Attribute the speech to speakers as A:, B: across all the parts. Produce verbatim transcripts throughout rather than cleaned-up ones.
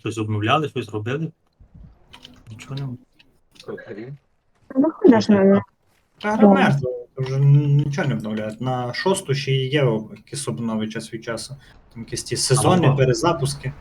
A: Щось обновляли, щось робили. Нічого не.
B: Ну, ходиш на
C: Та гра мертва, вже нічого не обновляють. На шосту ще і є якісь обнови час від часу. Там якісь ті сезонні
A: Ага.
C: перезапуски.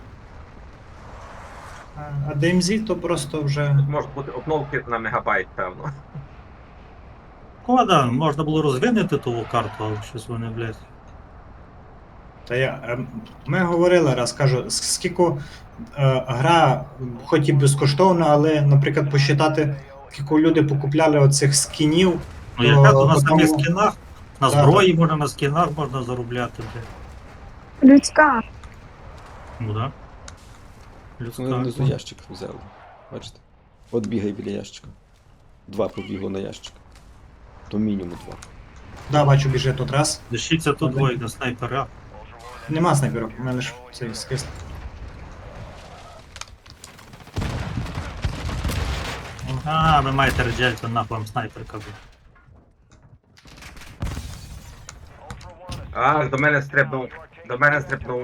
C: А а ді ем зет то просто вже.
D: Можуть бути обновки на мегабайт, певно.
A: Шкода, можна було розвинути ту карту, але щось вони, блядь.
C: Та я, ем, ми говорили раз, кажу, с- скільки е, гра, хоч і безкоштовна, але, наприклад, посчитати, скільки люди покупляли оцих скінів.
A: Ну яка то на
C: одному-
A: самих скінах, на
C: Да,
A: зброї можна, на скінах можна заробляти, блядь.
B: людська.
A: Ну да.
E: Вони
A: Людська.
E: внизу ящик взяли. Бачите? От бігай біля ящика. Два побігло на ящик. То мінімум два.
C: Да, бачу, біжить тут раз.
A: Лишиться тут двоє на снайпера.
C: Нема снайперів, у мене лише цей скис.
A: А, ви маєте реджельцю, нахуй вам снайперка, блядь.
D: А, до мене стрибнув. До мене стрибнув.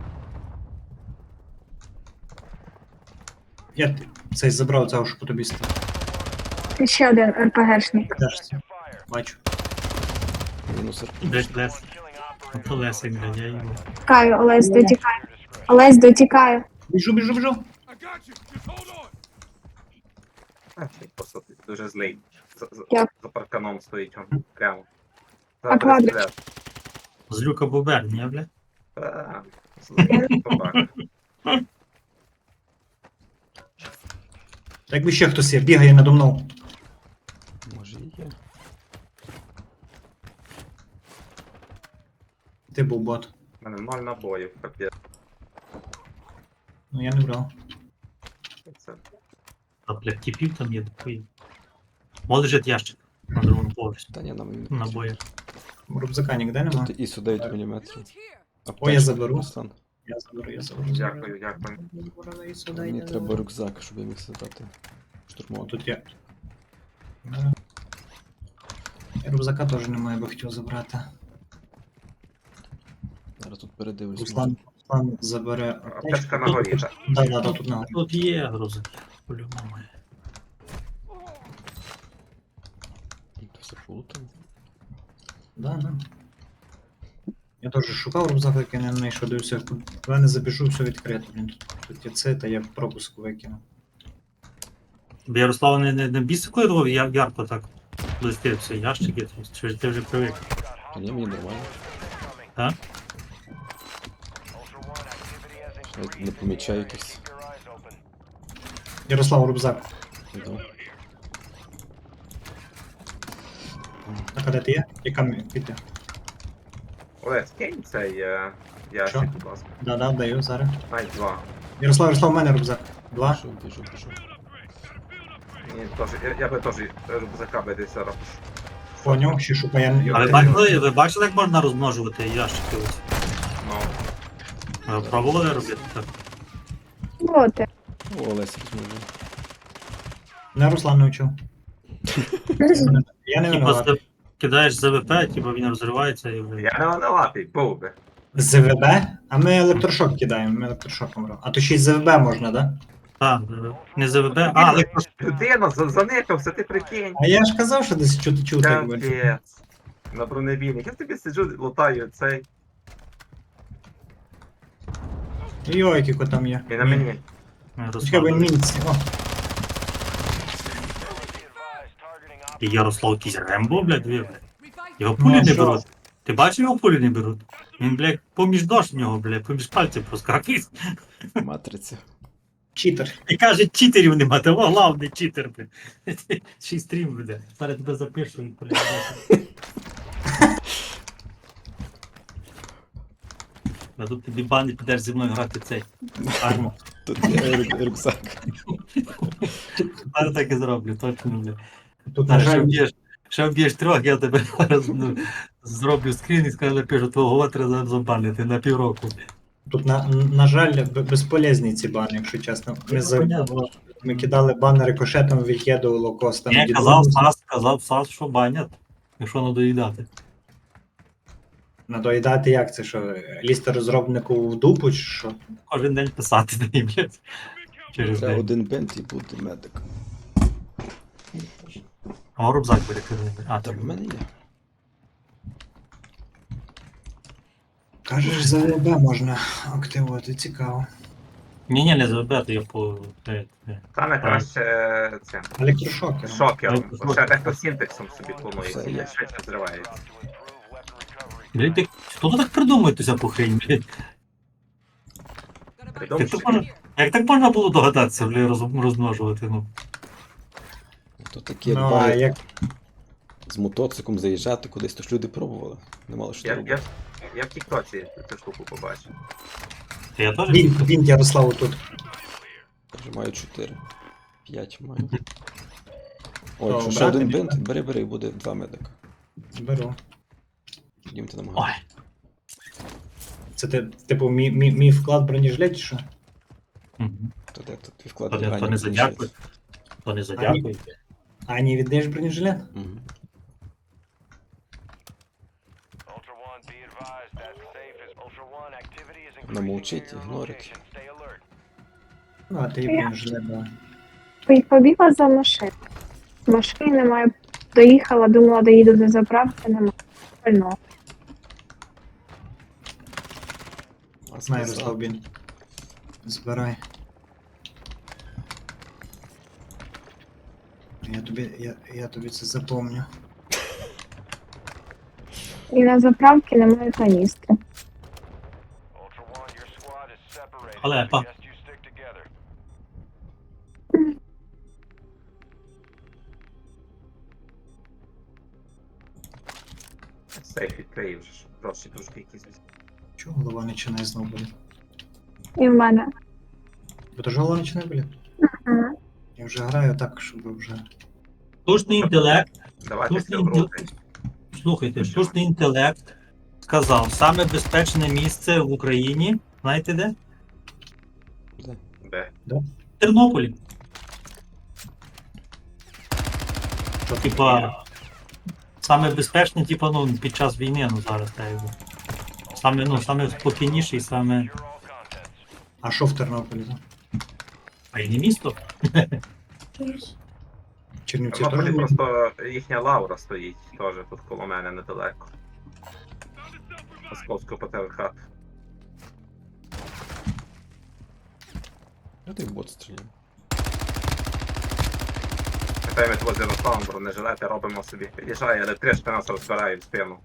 C: Я т- цей забрав цього, що по тобі став.
B: Ще один РПГшник.
C: Теж це. Бачу.
E: Мінус РП.
A: Блядь, Лес. Ото Лесик, блядь, я йому.
B: Тікаю, Олесь дотікає. Олесь дотікає.
C: Біжу, біжу, біжу.
D: А, цей просто дуже злий. За, за,
B: Як?
D: за парканом стоїть он прямо.
B: А квадрик?
D: стріляти.
A: Злюка Бубер, ні, блядь?
D: Та, злий собака.
C: Та якби ще хтось є, бігає надо мною.
E: Може і є.
C: Ти був бот.
D: У мене ноль набоїв, капець.
C: Ну я не брав.
D: Це
A: А, блядь, тіпів там є такий. О, лежить ящик на другому поверсі.
E: Та ні, нам не
A: Набої.
C: Рюкзака ніде нема.
E: Тут і сюди дев'ять міліметрів.
C: О, я заберу.
E: Руслан.
C: Я заберу, я заберу.
D: Дякую, дякую.
E: Мені треба рюкзак, щоб я міг сідати.
C: О,
E: Штурмувати.
C: тут є. Да. Я рюкзака теж немає, бо хотів забрати.
E: Зараз тут передивлюсь.
C: Руслан, Руслан забере.
D: Аптечка на горі, так.
C: Да, да, да, тут на горі.
A: Тут є грузик, по-любому.
E: Тут все полутано.
C: Да, да. Я теж шукав рюкзак, який не знайшов, дивився. Коли не забіжу, все відкрито. Блін, тут, тут є це, та я пропуск викинув.
A: Бо Ярослав не, не, не бісить, коли його я- ярко так блистить все ящики, там, чи ж ти вже привик.
E: Та ні, мені нормально.
A: А?
E: Навіть не помічаю якихось.
C: Ярослав, рюкзак.
E: Іду.
C: А де ти є? Яка мені піти?
D: Олег, скинь цей е, ящик,
C: Що?
D: будь ласка.
C: Да, да, даю зараз.
D: Ай, два.
C: Ярослав, Ярослав, у мене рюкзак. Два.
E: Біжу, біжу, біжу.
D: Мені теж, я, я би теж рюкзака би десь зараз.
C: Поняв, ще шукає.
A: А ви бачили, ви бачили, як можна розмножувати ящики? Ось?
D: Ну,
A: Ви пробували робити так?
B: Боти.
E: О, Олесь розмовляє.
C: Не Руслан не вчив. Я не
A: Типа
C: винуватий.
A: ти кидаєш ЗВП, типа він розривається і вже.
D: я не винуватий, був би.
C: З ВБ? А ми електрошок кидаємо, ми електрошоком робимо. А то ще й з ВБ можна, да?
A: Так, не ЗВП, а, але
D: Людина за- заникався, ти прикинь.
C: А я ж казав, що десь чути чути. якби.
D: Капець. На бронебійник. Я тобі сиджу, лутаю цей.
C: Йой, які там є.
D: І на мені.
C: Чекай, він мінці. О,
A: І Ярослав якийсь Рембо, блядь, дві, блядь. Його
C: Ну,
A: пулі
C: а
A: не
C: що?
A: беруть. Ти бачив, його пулі не беруть? Він, блядь, поміж дощ в нього, блядь, поміж пальців проскакує.
E: Матриця.
C: читер.
A: І каже, читерів нема, того головний читер, блядь. Ще й стрім буде. Зараз тебе запишу і полягає. А тут тобі бани підеш зі мною грати цей. Арму.
E: Тут є рю- рюкзак.
A: Зараз так і зроблю, точно, блядь.
C: Тут, на
A: Зараз ще
C: жаль,
A: вб'єш, ще вб'єш трьох, я тебе зараз ну, зроблю скрін і скажу, напишу, твого треба забанити на півроку.
C: тут на, на жаль, б- безполезні ці бани, якщо чесно. Ми, за,
A: Понятно.
C: ми кидали бани рикошетом, від'єдувало костами.
A: Я казав Сас, казав Сас, що банять, якщо не доїдати.
C: Надоїдати як це, що лізти розробнику в дупу, чи що?
A: Кожен день писати на ній, блядь. Через
E: Це
A: день.
E: один бент і буде медик.
A: А рюкзак перекиданий. А,
E: Так,
A: там
E: в мене є.
C: Кажеш, за ВБ можна активувати, цікаво.
A: Ні, ні, не забити, я по. е, е.
D: Саме краще е, це.
C: Електрошокер.
D: Шокером.
A: Ну,
D: Бо ще дехто синтексом собі планує,
E: Все,
D: і
E: є.
D: швидше зривається.
A: Блядь, ти- хто так придумує цю всяку хрень, блядь? Як
D: Придумав,
A: так можна, як так можна було догадатися, блядь, роз, розмножувати, ну.
E: То такі, як
C: Ну, а
E: бари
C: як
E: з мотоциклом заїжджати кудись, то ж люди пробували. Не мало що
D: Я,
E: робити.
D: я, я в Тіктоці цю штуку побачив.
A: Я теж
C: він, він Ярославу тут.
E: Я вже маю чотири. П'ять маю. О,
C: То
E: якщо ще
C: брати
E: один
C: мені,
E: бент, бери, бери, буде два медика.
C: Беру.
E: Йдімте на
A: Ой,
E: магазин.
C: Це ти, типу, мій, мій, мій вклад в бронежилет, чи що?
A: мгм.
E: То де тут твій вклад
A: То не, то
E: лягання
A: не
E: закінчується?
A: задякуй. То не задякуй.
C: А не віддаєш бронежилет?
E: Мгм.
F: Ultra One, be advised that safe is Ultra One. Activity is increasing
E: Намовчить,
F: near your
E: ігнорить.
F: location. Stay alert.
C: Ну, а ти і бронежилет давай.
B: І побігла за машину. Машини немає. Доїхала, думала, доїду до заправки, немає. Пального.
E: А
C: Знаю,
E: сказав.
C: Ярослав, він. Збирай. Я тобі, я, я тобі це запомню.
B: І на заправці немає каністри.
F: Ultra One, your squad is separated.
A: Халепа.
F: Suggest you stick together.
D: Сейф відкриє вже ж. Просто трошки якісь.
C: Чого голова починає знову боліти?
B: І в мене.
C: Бо то ж голова починає боліти?
B: Ага.
C: Я вже граю так, щоб вже...
A: Штучний інтелект,
D: Давайте
A: штучний
D: все
A: інтелект,
D: вроде.
A: слухайте, штучний інтелект сказав, саме безпечне місце в Україні, знаєте де?
E: Де?
D: Де?
A: В Тернополі.
C: Що ти
A: Типа, саме безпечне, типа, ну, під час війни, ну зараз так якби. Саме, ну, саме спокійніше і саме.
F: Secure all contents.
C: А що в Тернополі? там?
A: А й не місто.
D: В
C: Чернівці
D: Тернополі
C: теж?
D: просто їхня лавра стоїть теж тут коло мене недалеко. Московського патріархату.
E: Я той бот стріляв.
D: Тепер ми тут з Ярославом бронежилети робимо собі. Під'їжджає, але трішки нас розбирають в спину.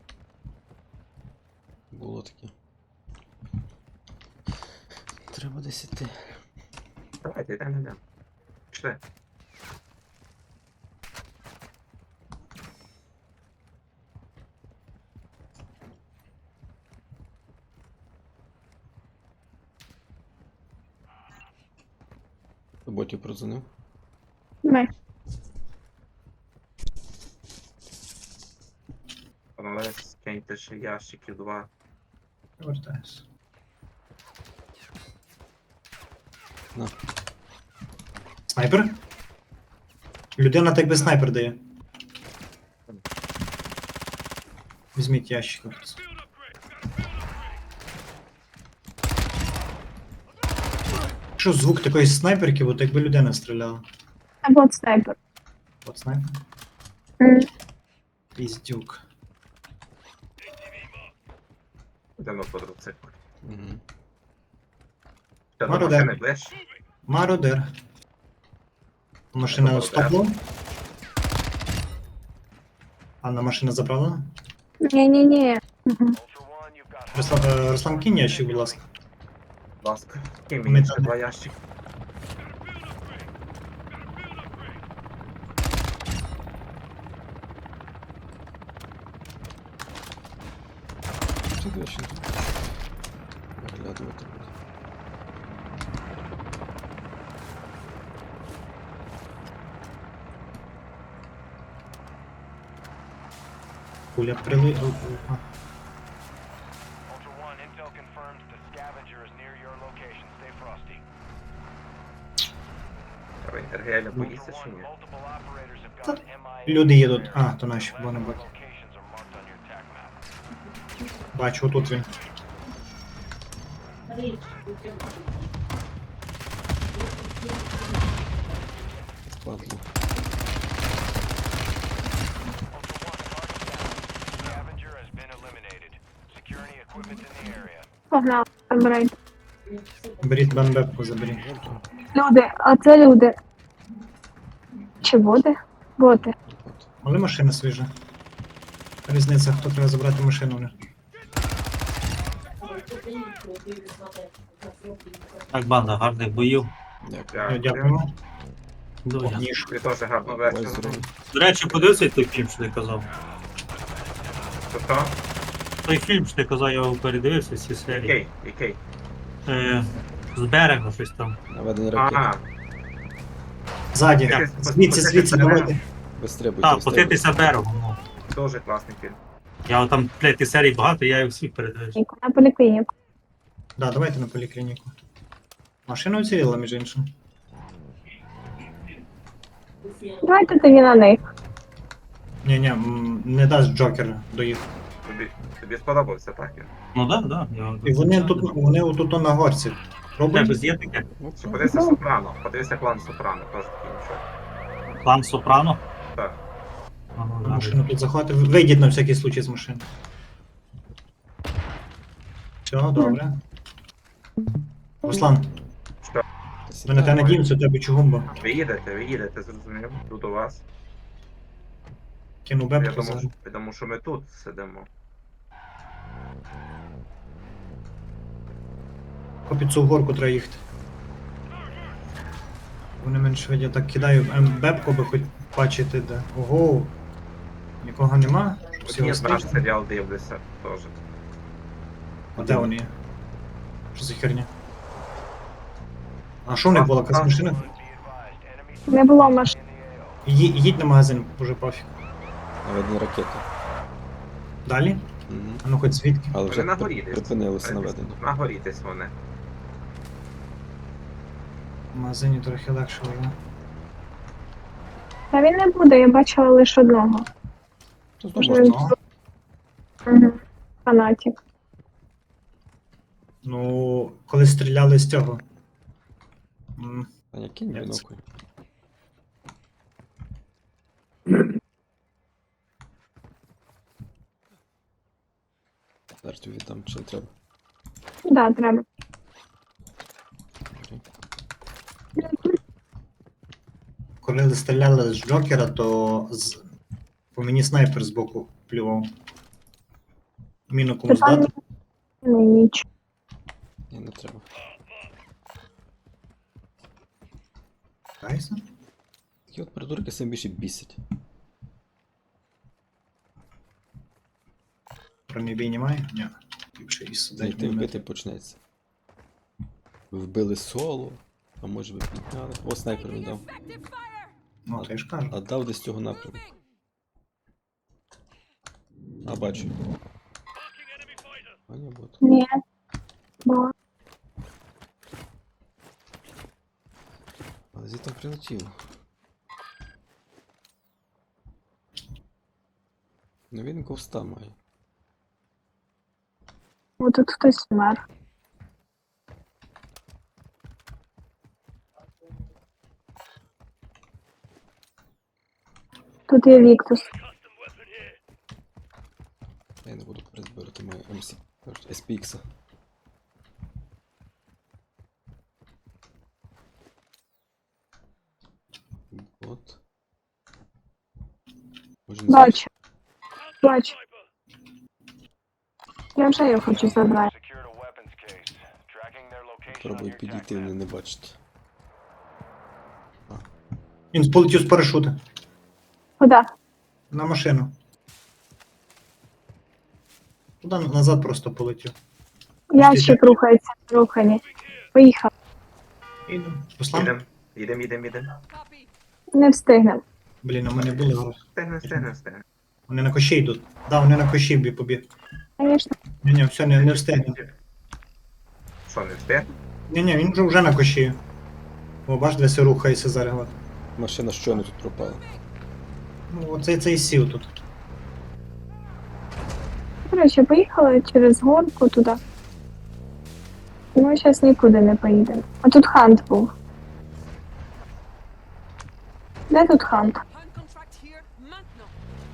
E: Було таке. Треба десь іти.
D: Давайте, йдемо, йдемо. Пішли.
E: До ботів продзвонив.
B: Ми.
D: Але скиньте ще ящиків два.
C: Повертаюся.
E: На.
C: Снайпер? Людина так би снайпер дає. Візьміть ящик. Що звук такої снайперки, от якби людина стріляла.
B: Або от снайпер.
C: От снайпер.
B: М.
C: Піздюк.
D: Йдемо по мотоциклу.
E: Угу.
D: Ще до
C: Мародер.
D: машини ближче.
C: Мародер. Машина
D: Мародер.
C: стопло. Анна, машина заправлена?
B: Ні-ні-ні. Мгм.
F: Ultra One, you've got
C: Руслан, е, Руслан, кинь ящик, будь ласка.
D: Будь ласка. Кинь
C: Ми
D: мені ще
C: там.
D: два ящики.
E: Що ти ще тут? Оглядувати буде.
C: Пуля прили... о, о, а.
F: Ultra One, intel confirms the scavenger is near your location. Stay frosty.
D: Треба інтергеля
F: Ultra
D: боїться чи
F: One,
D: ні?
F: multiple operators have
C: Та
F: gone M I A.
C: люди їдуть. А, то наші,
F: Their
C: бонобаки.
F: locations are marked on your attack map.
C: Бачу, отут він.
E: Падло.
F: Scavenger has been eliminated. Secure any equipment in the area.
B: Погнали, забирайте.
C: Беріть бенбепку, заберіть.
B: Люди, а це люди. Чи боти? Боти.
E: От.
C: Але машина свіжа. Різниця, хто треба забрати машину в них.
A: Так, банда, гарних боїв.
E: Дякую.
C: Е, Дякуємо.
A: Дуже.
C: Ніж.
D: Ви теж гарно
E: Ой,
D: вечір.
E: здорово.
A: До речі, подивися той фільм, що ти казав.
D: Тобто,
A: Той фільм, що ти казав, я його передивився, всі серії.
D: який, який?
A: Е, з берега щось там.
E: Наведення ракети.
D: Ага,
C: Ззаді.
A: Так.
C: Звідси, звідси, давайте.
E: Вистрибуйте,
A: Так,
E: вистрибуйте.
A: потитися берегом. Ну.
D: дуже класний фільм.
A: Я от там, блядь, ті серій багато, я їх всіх передивився.
B: На поліклініку.
C: Да, давайте на поліклініку. Машина уціліла, між іншим.
B: Давайте тоді на них.
C: Ні, ні, м, не дасть Джокер доїхати.
D: Тобі, тобі сподобався, так? Ігор?
A: Ну так, да, да. Я...
C: І вони тут, вони отут на горці.
A: Тебе
C: Пробують?
A: є таке?
E: Ну,
D: Чи
E: це.
D: подивися Сопрано, подивися клан Сопрано, теж такий нічого.
A: Клан Сопрано?
D: Так.
A: А, ну,
C: На
A: да.
C: машину тут заходити. Вийдіть на всякий случай з машини. Все, добре. Руслан, ми на тебе надіємося, у тебе чугумба.
D: Ви їдете, ви їдете, зрозумів, тут у вас.
C: Кину
D: Я
C: бебку
D: думав,
C: зараз.
D: я думав, що ми тут сидимо.
C: По під цю горку треба їхати. Вони менш швидко так кидаю. Ем, бебку би хоч бачити де. Ого. Нікого нема? Всі
D: Ні,
C: гостей?
D: наш серіал дивлюся теж.
C: А де вони є? Що за херня? А що в них була якась машина?
F: Be advised, enemy
B: Не було машин.
F: in the A O.
C: Ї- Їдь на магазин, уже пофіг.
E: Наведення ракети.
C: Далі?
E: Угу.
C: А ну хоч звідки?
E: Але вже
D: Вони на
E: при-
D: горі десь.
E: припинилося наведення.
D: На горі десь вони.
C: В магазині трохи легше було.
B: Та він не буде, я бачила лише одного.
E: Тут
B: Може,
E: можна.
C: Ну,
B: Угу. Фанатик.
C: ну, коли стріляли з цього. М,
E: Таня, кинь
C: Ні,
E: бінокль. Зараз тобі віддам, чи не треба.
B: Да, треба.
C: Коли стріляли з Джокера, то з... по мені снайпер з боку плював. Міну комусь
B: Питання
C: дати?
B: не ніч.
E: Ні, не треба.
C: Кайся?
E: Такі от придурки сам більше бісять.
C: Бронебій бій немає? Ні. Ліпше і
E: Знайти
C: сидить.
E: вбити почнеться. Ви вбили соло, а може ви підняли. О, снайпер не дав.
C: Ну, то я ж кажу.
E: А дав десь з цього напрямку. А, бачу. А ні, бот.
B: Ні. Бо
E: Але звідти прилетіло. Ну він ковста має.
B: О, тут хтось вмер. Тут є Віктус.
E: Я не буду розбирати мою ем сі, кажуть, ес пі ікс. Бот. Може, не
B: Бачу. Бачу. Я вже його хочу забрати.
F: Secured a weapons case. Tracking their location on
E: Пробую
F: your
E: підійти,
F: TAC
E: вони
F: map.
E: не бачать.
C: Він полетів з парашута.
B: Куди?
C: На машину. Туди назад просто полетів.
B: Ящик рухається, рухані. Поїхав.
C: Іду. Руслан?
D: Їдем, їдем, їдем, їдем.
B: Не встигнемо.
C: Блін, у мене були гроші.
D: Стигне, стигне, стигне.
C: Вони на кощі йдуть. Да, вони на кощі бі побіг.
B: Звісно.
C: Ні, ні, все, не, не встигне.
D: Що, не встиг?
C: Ні, ні, він вже, вже на кощі. О, бач, де все рухається зараз. от.
E: Машина щойно тут пропала.
C: Ну, оцей цей сів тут.
B: Коротше, поїхали через горку туди. Ми зараз нікуди не поїдемо. А тут хант був. Де тут хант?
G: Hunt contract here, maintenant.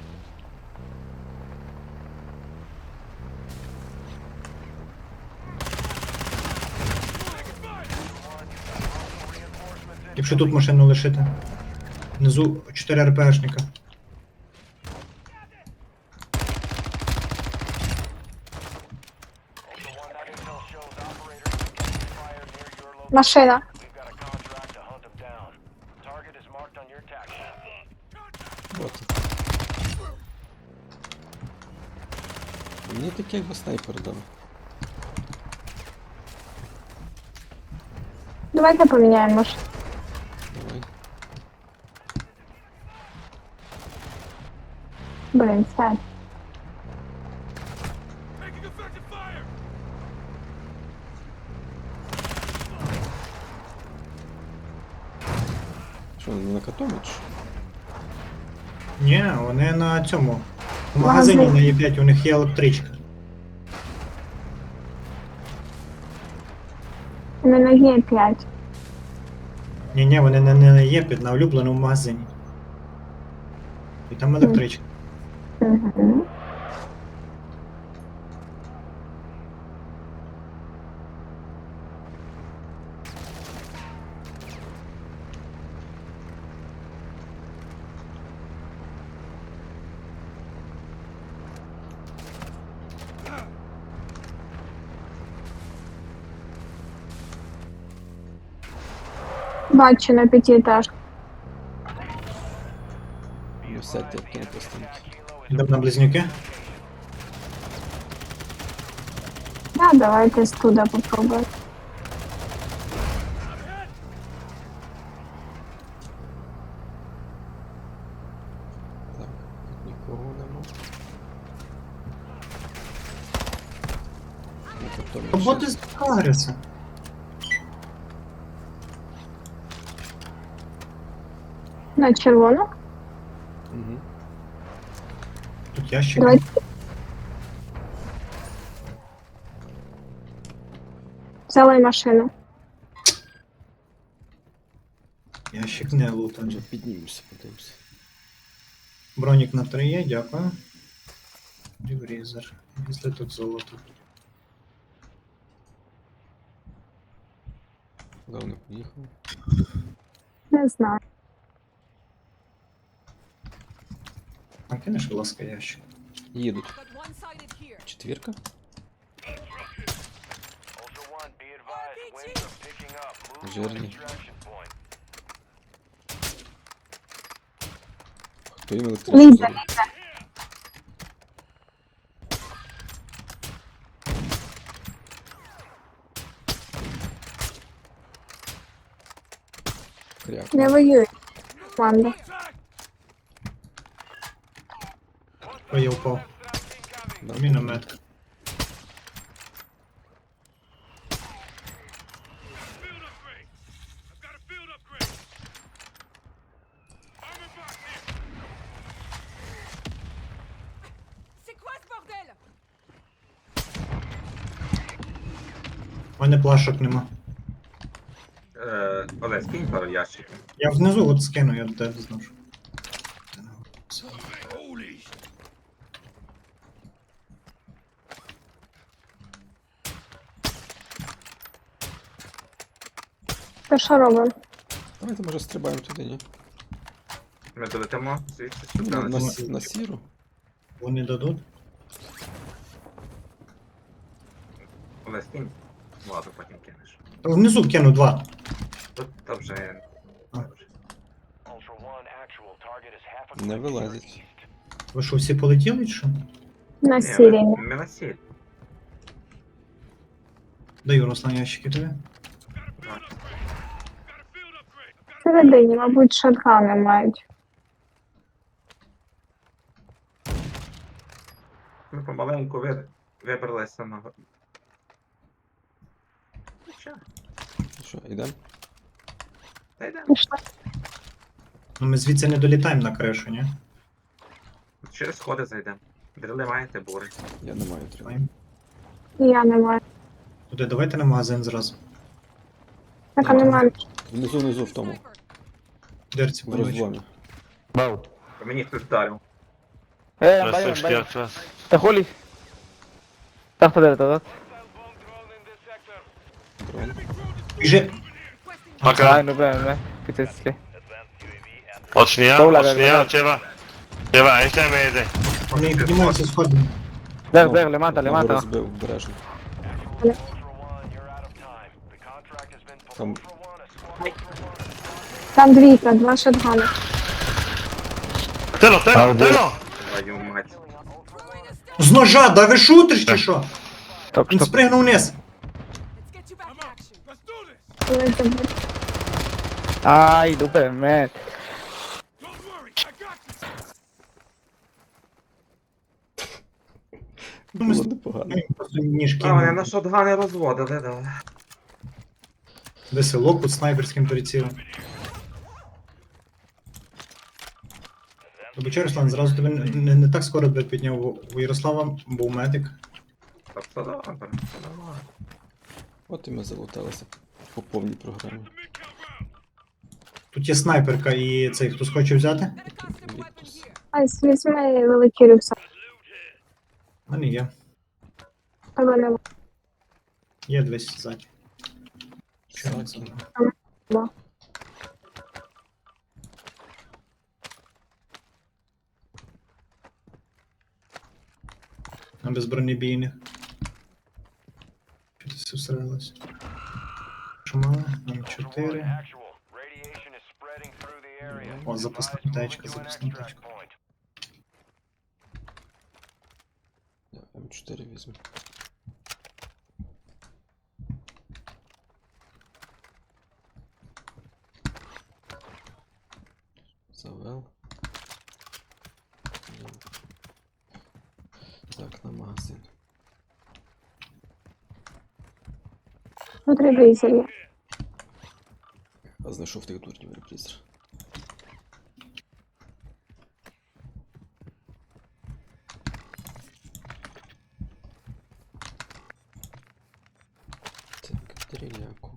C: Якщо тут машину лишити. Внизу чотири РПшника.
F: Ultra One, that intel shows operators taking fire near your location.
B: Машина.
F: We've got a contract to hunt them down. Target is marked on your tac sheet.
E: От. Мені таке якби снайпер дав.
B: Давайте поміняємо машину.
E: Давай.
B: Блін, сядь.
E: Що, не на катомі чи? що?
C: Ні, вони на цьому. В магазині на Є п'ять у них є електричка.
B: У мене є п'ять.
C: Ні, ні, вони не, не на Є п'ять, на улюбленому магазині. І там електричка.
B: Угу. Бачу на п'ятиэтажку.
E: Ну, сядьте як на пластинки.
C: Йдемо на близнюки.
B: Да, давайте з туди попробуємо.
E: Так, тут нікого нема. На катомі ще.
C: Роботи з Агреса.
B: На червону.
E: Мгм.
C: Тут ящик.
B: Давайте. Взяли машину.
C: Ящик не лутаний.
E: Вже піднімемося, подивимося.
C: Бронік на три є, дякую. Ріврізер. Якщо тут золото.
E: Куди вони поїхали?
B: Не знаю.
C: А кинеш, будь ласка, ящик.
E: Їдуть.
G: Got one-sided here.
E: Четвірка?
F: Ultra One, be advised, winds are picking up. Move to an
E: Жирні.
F: extraction point.
E: Хто їм електричку
B: Ліза,
E: дає?
B: Ліза.
E: Кряк.
B: Не воює. Команда.
C: О, я впав.
E: Да.
C: Міномет.
G: C'est quoi ce bordel?
C: У мене плашок нема.
D: Е, Олесь, кинь пару ящиків.
C: Я внизу от скину, я де зношу.
B: То що робимо?
E: Давайте, може, стрибаємо туди, ні?
D: Ми долетимо звідси
E: Ну,
D: сюди.
E: на,
D: на
E: на,
D: сі-
E: сі- на сіру.
C: Вони дадуть.
D: Олесь, кинь. Ладно, потім кинеш.
C: Та внизу кину два.
D: Тут та вже...
C: А.
F: Ultra One, actual target is half a
E: Не
F: click to your
E: вилазить.
F: east.
C: Ви що, всі полетіли чи що?
B: На
D: Ні,
B: сірі.
D: ми- Ми на сіль.
C: Даю Руслан ящики тобі.
B: Всередині, мабуть, шотгани мають.
D: Ми помаленьку ви- вибралися на... Що?
E: Що, йдемо?
D: Та йдемо.
B: Пішли.
C: Ну ми звідси не долітаємо на кришу, ні?
D: Через сходи зайдемо. Дріли маєте, бури.
E: Я не маю трьох.
C: Маємо.
B: Я не маю.
C: Туди давайте на магазин зразу.
B: Так, а немає.
E: Внизу, внизу в тому.
C: В дирці
E: В
C: поруч.
E: розломі.
H: Бау.
D: По мені хтось вдарив.
H: Eh,
I: Rest
H: vaya,
I: of
H: vaya.
I: atrás.
H: Está Juli. Está joder, ¿verdad?
E: Дрон.
C: Біжи!
H: Ay,
I: Пока.
H: no, espera, no. ¿Qué te dice?
I: От сния,
H: Добре,
I: от сния,
H: добре.
I: отива. Тива, ай ще ме йде.
C: Вони піднімаються сходами.
H: Blair, Blair, le mata, le
E: Одного
H: mata.
E: розбив, обережно.
F: Ultra One, you're out of time. The contract has been pulled.
E: Там
F: Ultra One, a squad
B: Там двійка, два шотгани.
I: Тело, тело, тело!
D: Твою мать.
C: З ножа, да ви шутиш чи що?
H: Стоп,
C: Він
H: стоп.
C: спригнув вниз.
G: Let's get you back in action.
B: Коли забув.
H: Ay, dupe, man.
E: було непогано.
C: Він просто ніж
D: А, вони на
C: кинув.
D: шотгани розводили, да.
C: Весело під снайперським прицілом. Тобі Руслан, зразу тебе не, не, не так скоро тебе підняв. У- У Ярослава був медик.
D: Так, все добре, все нормально.
E: От і ми залуталися по повній програмі.
C: Тут є снайперка і цей, хтось хоче взяти?
G: Got a custom weapon here.
B: Ай, візьми великий рюкзак.
C: У мене є.
B: Тебе немає.
C: Є десь ззаді. Що
E: Так.
C: не знаю.
B: Ба.
C: На безбронебійних. Що ти все всралось? Що мало? Нам
F: Ultra One,
C: чотири.
F: actual. Radiation is spreading through the area.
C: О, запасна
F: Advise
C: тачка,
F: moving to an
C: запасна
F: extract
C: тачка.
F: point.
E: Я М чотири візьму. Завел. Так, на магазин.
B: Тут ревізор є.
E: А знайшов тих дурнів репрізер. Так, стріляку.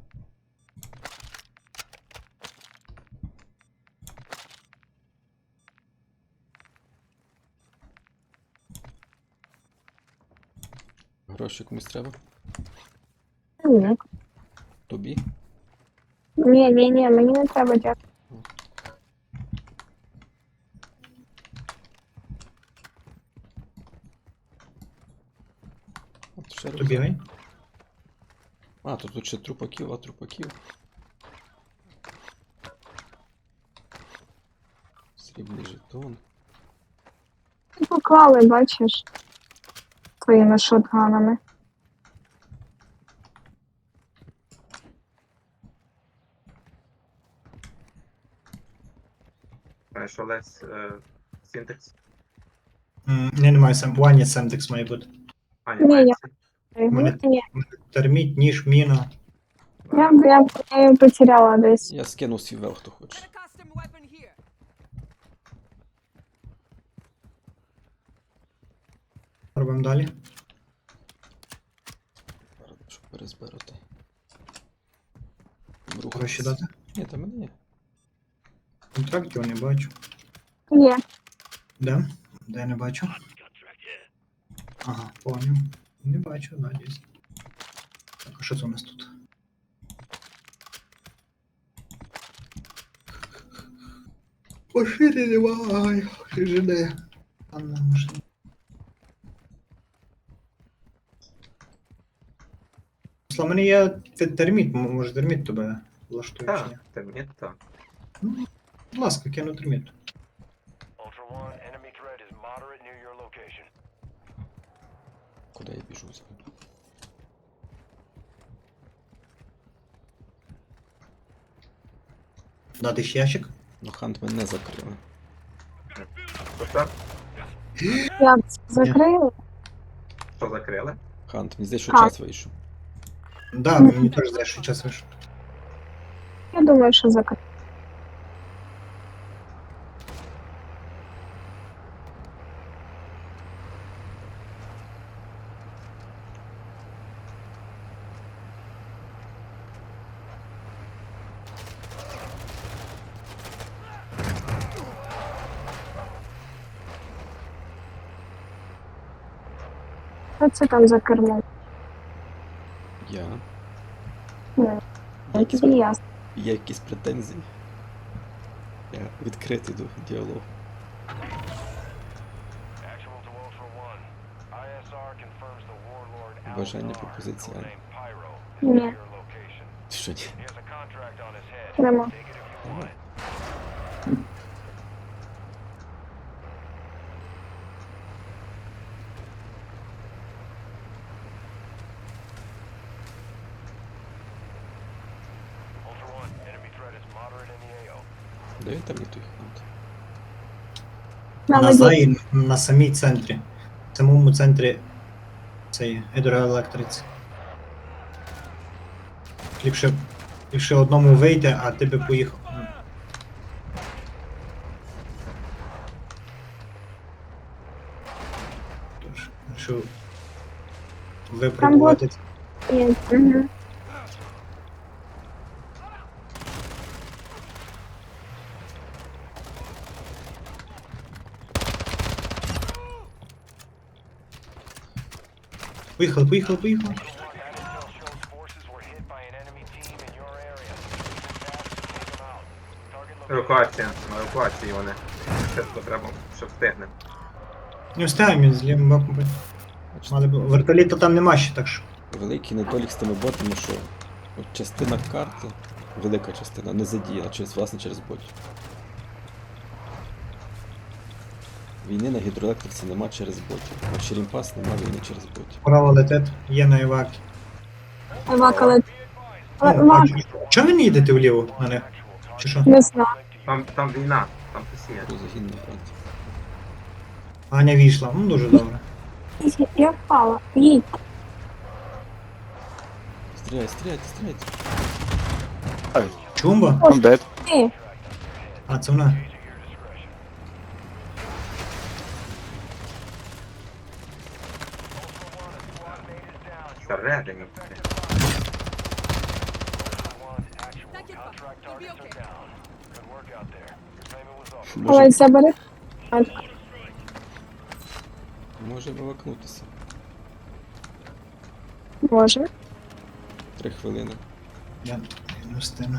E: Гроші комусь треба?
B: Ні.
E: Тобі?
B: Ні, ні, ні, мені не треба, дякую.
E: От ще
C: То
E: раз.
C: бігай.
E: А, то тут ще трупаків, а трупаків. Срібний жетон.
B: Ти поклали, бачиш, своїми шотганами.
D: Знаєш, Олесь, е, синтекс.
C: М, Ні, немає сем. Ваня Семтекс має бути.
D: А,
B: Ні,
D: немає.
B: я-
C: Мене-
B: Ні,
C: Терміт, ніж, міна.
B: я, я, я її потеряла десь.
E: Я скинув свій вел, хто хоче.
G: Got a custom weapon here.
C: Робимо далі.
E: Рад, щоб перезбирати.
C: Гроші дати.
E: Ні, та мене є.
C: Контрактів не бачу.
B: Є.
C: Де? Де я не бачу? Ага, поняв. Не бачу, да, дійсно. Так, а що це у нас тут? Машини немає. Жиде. Анна машина. Слава, мене є те- терміт, м- може терміт тебе влаштує чи ні?
D: Так, терміт, так.
C: Будь ласка, кину терміт.
F: Ultra One, enemy threat is moderate near your location.
E: Куди я біжу?
C: Дати ще ящик?
E: Ну, хант мене не закрили.
D: Що це?
B: Я це закрила.
D: Що закрили?
E: Хант, мені здається, що
B: А.
E: час вийшов.
C: Да, мені теж здається, що час вийшов.
B: Я думаю, що закрила. Хто це там за кермом?
E: Я.
B: Ну,
E: Є
B: це
E: якісь,
B: тобі ясно.
E: є якісь претензії? Я відкритий до діалогу.
F: Actual to Ultra One. I S R confirms the warlord
E: Бажання
F: Al-Nar,
E: пропозиції.
F: codename Pyro, is
B: Ні.
F: near your location.
E: Що ні?
F: He has a contract on his head.
B: Нема.
F: Take it if you want it. Ultra One, enemy threat is moderate in the A O.
E: Де він там і той хант?
B: На
C: На
B: воді.
C: заї, на самій центрі. В самому центрі цієї гідроелектриці. Ліпше, ліпше одному вийти, а ти би поїхав. М. Тож, що випробувати.
B: Є. Угу.
C: Поїхали, поїхали, поїхали.
F: That intel shows forces were hit by an enemy team in your area. Move fast to take them out. Target location.
D: Евакуація, на евакуації вони. Швидко треба, щоб встигнемо.
C: Не встигаємо з лівим боком. бити. Мали б... Вертоліта там нема ще, так що.
E: Великий недолік з тими ботами, що от частина карти, велика частина, не задіяна через, власне, через ботів. Війни на гідроелектриці нема через ботів. На Черімпас нема війни через ботів.
C: Право летить, є на евакі.
B: Евакали.
C: Ну,
B: Евак,
C: а чого ви не їдете вліво на них? Чи що?
B: не знаю.
D: Там, там війна, там хтось є.
E: Про загін на фронті.
C: Аня війшла, ну дуже добре.
B: Я впала. Їдь.
E: Стріляйте, стріляйте, стріляйте.
C: Чумба?
H: I'm dead.
B: Ти.
C: А, це вона.
D: Всередині.
G: That get fucked. You'll be okay.
F: Good work out there. Your payment was off.
B: Давай
E: Може,
B: забери. А,
E: може вивакнутися.
B: може.
E: Три хвилини.
C: Я не встигну.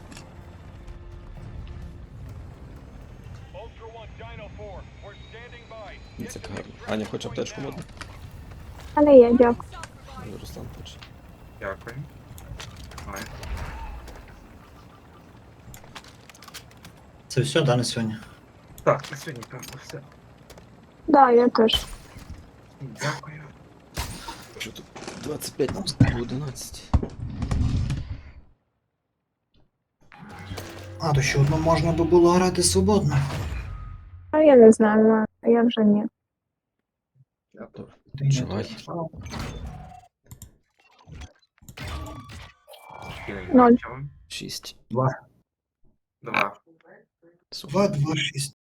F: Ultra One, Dino four. We're standing by.
E: Ну, це гарно. Аня хоче аптечку модну?
B: Але я дякую.
E: Руслан хоче.
D: Дякую. Ой.
C: Це все, да, на сьогодні?
D: Так, на сьогодні певно все.
B: Да, я теж.
D: Дякую.
E: Що тут? двадцять п'ять на одинадцять.
C: А, то ще одно можна би було грати свободно.
B: А я не знаю, а я вже ні.
E: Добре.
C: Ти не
E: Чувай.
C: то.
B: Ноль.
E: Шість.
C: Два.
D: Два.
E: Супер.
C: Два, два, шість.